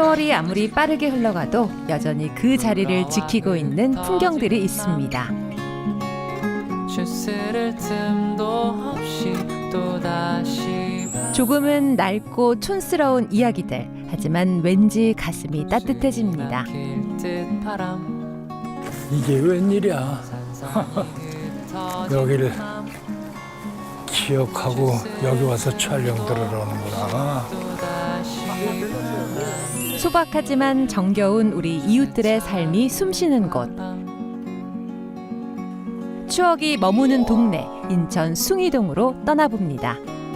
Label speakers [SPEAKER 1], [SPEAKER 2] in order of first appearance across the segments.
[SPEAKER 1] 세월이 아무리 빠르게 흘러가도 여전히 그 자리를 지키고 있는 풍경들이 있습니다.
[SPEAKER 2] 주스를 틈도 없이 또다시
[SPEAKER 1] 조금은 낡고 촌스러운 이야기들. 하지만 왠지 가슴이 따뜻해집니다.
[SPEAKER 3] 이게 웬일이야. 여기를 기억하고 여기 와서 촬영 들어오는구나.
[SPEAKER 1] 소박하지만 정겨운 우리 이웃들의 삶이 숨쉬는 곳. 추억이 머무는 동네 인천 숭이동으로 떠나봅니다.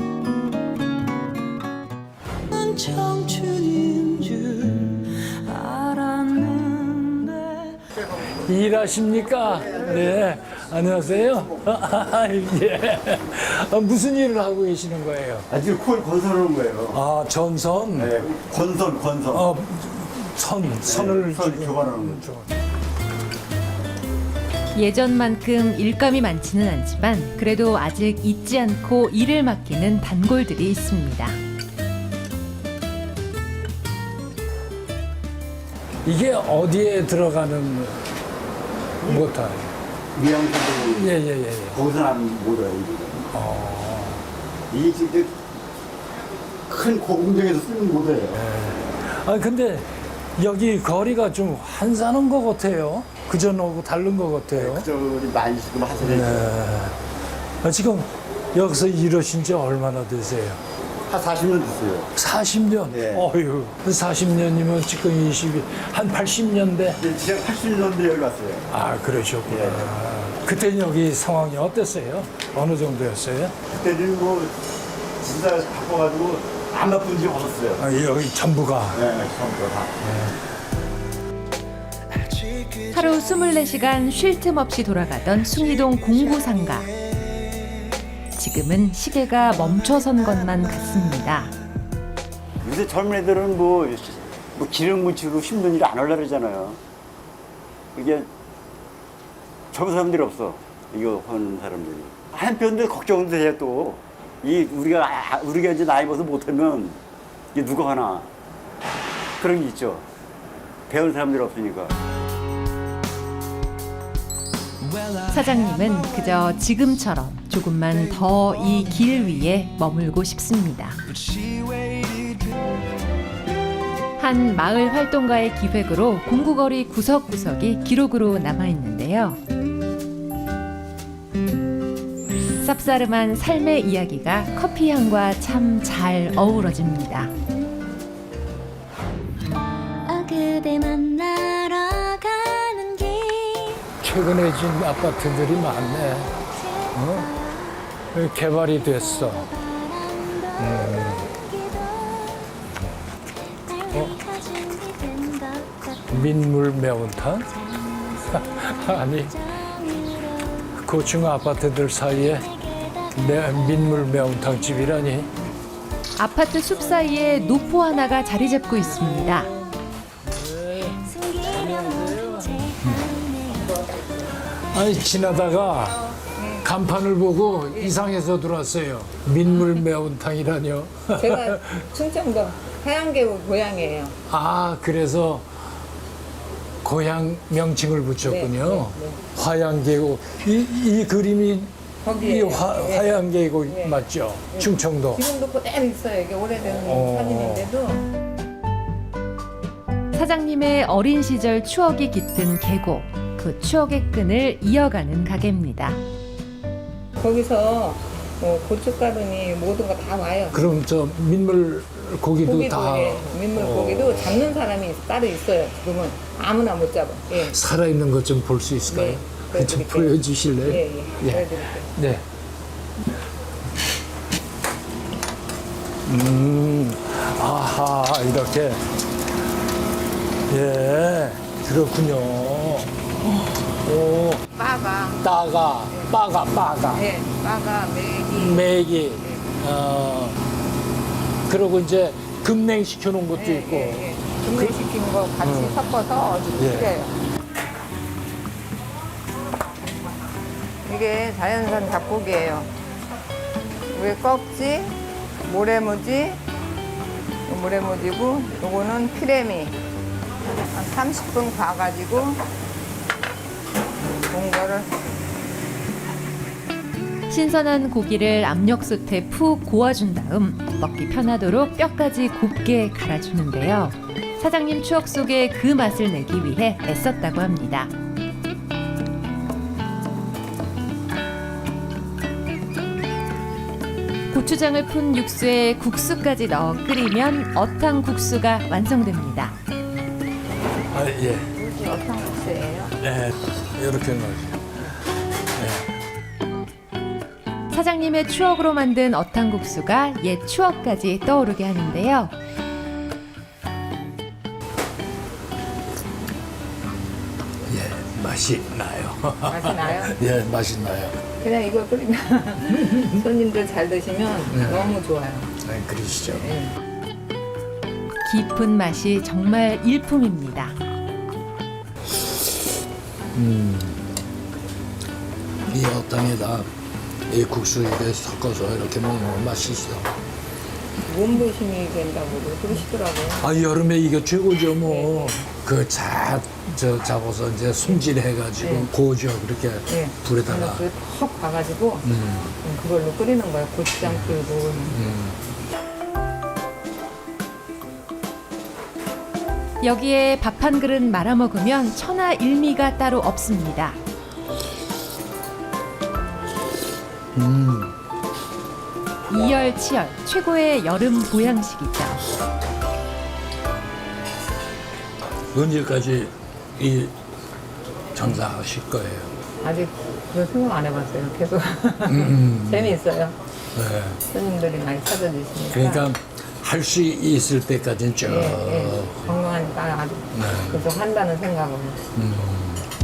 [SPEAKER 3] 일하십니까? 네. 안녕하세요. 예. 무슨 일을 하고 계시는 거예요?
[SPEAKER 4] 지금 콜 건설하는 거예요.
[SPEAKER 3] 아, 전선?
[SPEAKER 4] 네, 건설.
[SPEAKER 3] 선을
[SPEAKER 4] 교환하는 거죠.
[SPEAKER 1] 예전만큼 일감이 많지는 않지만 그래도 아직 잊지 않고 일을 맡기는 단골들이 있습니다.
[SPEAKER 3] 이게 어디에 들어가는 모터예요?
[SPEAKER 4] 미양수도
[SPEAKER 3] 예.
[SPEAKER 4] 거기서 안 모여요. 이게 진짜 큰 고공장에서 쓰는 모터예요.
[SPEAKER 3] 아, 근데 여기 거리가 좀 한산한 것 같아요. 그전하고 다른 것 같아요.
[SPEAKER 4] 그저기 많이 지금 하세요.
[SPEAKER 3] 네. 지금 여기서 일하신 지 얼마나 되세요?
[SPEAKER 4] 한 40년 됐어요.
[SPEAKER 3] 40년?
[SPEAKER 4] 네.
[SPEAKER 3] 어휴, 40년이면 지금 한 80년대?
[SPEAKER 4] 네, 제가 80년대 여기 왔어요.
[SPEAKER 3] 아, 그러셨구나.
[SPEAKER 4] 예.
[SPEAKER 3] 그때는 여기 상황이 어땠어요? 어느 정도였어요?
[SPEAKER 4] 그때는 뭐 진짜 바빠가지고 안 바쁜 지 없었어요.
[SPEAKER 3] 아, 여기 전부가.
[SPEAKER 4] 네, 처음부터 다.
[SPEAKER 1] 하루 24시간 쉴 틈 없이 돌아가던 숭이동 공구상가. 지금은 시계가 멈춰선 것만 같습니다.
[SPEAKER 4] 요새 젊은 애들은 뭐 기름 묻히고 힘든 일 안 하려고 그러잖아요. 이게 젊은 사람들이 없어. 이거 하는 사람들이. 한편도 걱정도 돼요 또. 우리가 이제 나이 먹어서 못하면 이게 누가 하나. 그런 게 있죠. 배운 사람들이 없으니까.
[SPEAKER 1] 사장님은 그저 지금처럼 조금만 더 이 길 위에 머물고 싶습니다. 한 마을 활동가의 기획으로 공구거리 구석구석이 기록으로 남아있는데요. 쌉싸름한 삶의 이야기가 커피향과 참 잘 어우러집니다.
[SPEAKER 5] 그대 만나러 가는 길
[SPEAKER 3] 최근에 지은 아파트들이 많네. 개발이 됐어. 민물 매운탕? 아니, 고층 아파트들 사이에 민물 매운탕 집이라니.
[SPEAKER 1] 아파트 숲 사이에 노포 하나가 자리 잡고 있습니다.
[SPEAKER 3] 아니, 지나다가 간판을 보고 이상해서 들어왔어요. 민물 매운탕이라뇨.
[SPEAKER 6] 제가 충청도 하양계곡 고향이에요.
[SPEAKER 3] 아, 그래서 고향 명칭을 붙였군요.
[SPEAKER 6] 네.
[SPEAKER 3] 화양계곡. 이 그림이 이
[SPEAKER 6] 거기에요. 네.
[SPEAKER 3] 화양계곡
[SPEAKER 6] 네.
[SPEAKER 3] 맞죠? 충청도.
[SPEAKER 6] 지금도 그대로 있어요. 이게 오래된 사진인데도.
[SPEAKER 1] 사장님의 어린 시절 추억이 깃든 계곡. 그 추억의 끈을 이어가는 가게입니다.
[SPEAKER 6] 거기서 뭐 고춧가루니 모든 거 다 와요.
[SPEAKER 3] 그럼 저 민물 고기도 다
[SPEAKER 6] 예, 민물고기도 잡는 사람이 따로 있어요. 지금은 아무나 못 잡아. 예.
[SPEAKER 3] 살아있는 것 좀 볼 수 있을까요?
[SPEAKER 6] 네,
[SPEAKER 3] 좀
[SPEAKER 6] 보여드릴게요.
[SPEAKER 3] 보여주실래요?
[SPEAKER 6] 예, 예.
[SPEAKER 3] 예.
[SPEAKER 6] 보여드릴게요.
[SPEAKER 3] 네. 아하, 이렇게. 예, 그렇군요. 오,
[SPEAKER 6] 빠가,
[SPEAKER 3] 빠가,
[SPEAKER 6] 예, 빠가, 메기.
[SPEAKER 3] 메기. 그리고 이제 급냉시켜 놓은 것도
[SPEAKER 6] 예,
[SPEAKER 3] 있고.
[SPEAKER 6] 예, 예. 분해시킨 거 같이 섞어서 아주
[SPEAKER 3] 예.
[SPEAKER 6] 끓여요. 이게 자연산 닭고기예요. 위에 꺽지, 모래무지, 물에 묻이고 요거는 피레미 한 30분 봐가지고 온 거를
[SPEAKER 1] 신선한 고기를 압력솥에 푹 고아준 다음 먹기 편하도록 뼈까지 곱게 갈아주는데요. 사장님 추억 속에 그 맛을 내기 위해 애썼다고 합니다. 고추장을 푼 육수에 국수까지 넣어 끓이면 어탕국수가 완성됩니다.
[SPEAKER 3] 아, 예.
[SPEAKER 6] 이게 어탕국수예요.
[SPEAKER 3] 네. 이렇게 넣으세요.
[SPEAKER 1] 사장님의 추억으로 만든 어탕국수가 옛 추억까지 떠오르게 하는데요.
[SPEAKER 3] 예, 맛이 나요.
[SPEAKER 6] 맛이 나요?
[SPEAKER 3] 예, 맛이 나요.
[SPEAKER 6] 그냥 이거 끓이면 손님들 잘 드시면
[SPEAKER 3] 네.
[SPEAKER 6] 너무 좋아요.
[SPEAKER 3] 네, 그러시죠.
[SPEAKER 6] 예.
[SPEAKER 1] 깊은 맛이 정말 일품입니다.
[SPEAKER 3] 이 어탕에다 이 국수 이렇게 섞어서 이렇게 먹으면 맛있어.
[SPEAKER 6] 몸보심이 된다고 그러시더라고요.
[SPEAKER 3] 아, 여름에 이게 최고죠, 뭐. 그 잡아서 이제 손질해가지고
[SPEAKER 6] 네.
[SPEAKER 3] 고죠, 그렇게
[SPEAKER 6] 예.
[SPEAKER 3] 불에다가.
[SPEAKER 6] 그턱 봐가지고 그걸로 끓이는 거예요. 고추장 풀고.
[SPEAKER 1] 여기에 밥 한 그릇 말아 먹으면 천하일미가 따로 없습니다. 이열치열 최고의 여름 보양식이죠.
[SPEAKER 3] 언제까지 이 장사하실 거예요?
[SPEAKER 6] 아직 그런 생각 안 해봤어요. 계속 재미있어요.
[SPEAKER 3] 네.
[SPEAKER 6] 손님들이 많이 찾아주시니까.
[SPEAKER 3] 그러니까 할 수 있을 때까지는 쭉.
[SPEAKER 6] 예, 예. 건강하니까 아직
[SPEAKER 3] 네.
[SPEAKER 6] 계속 한다는 생각으로.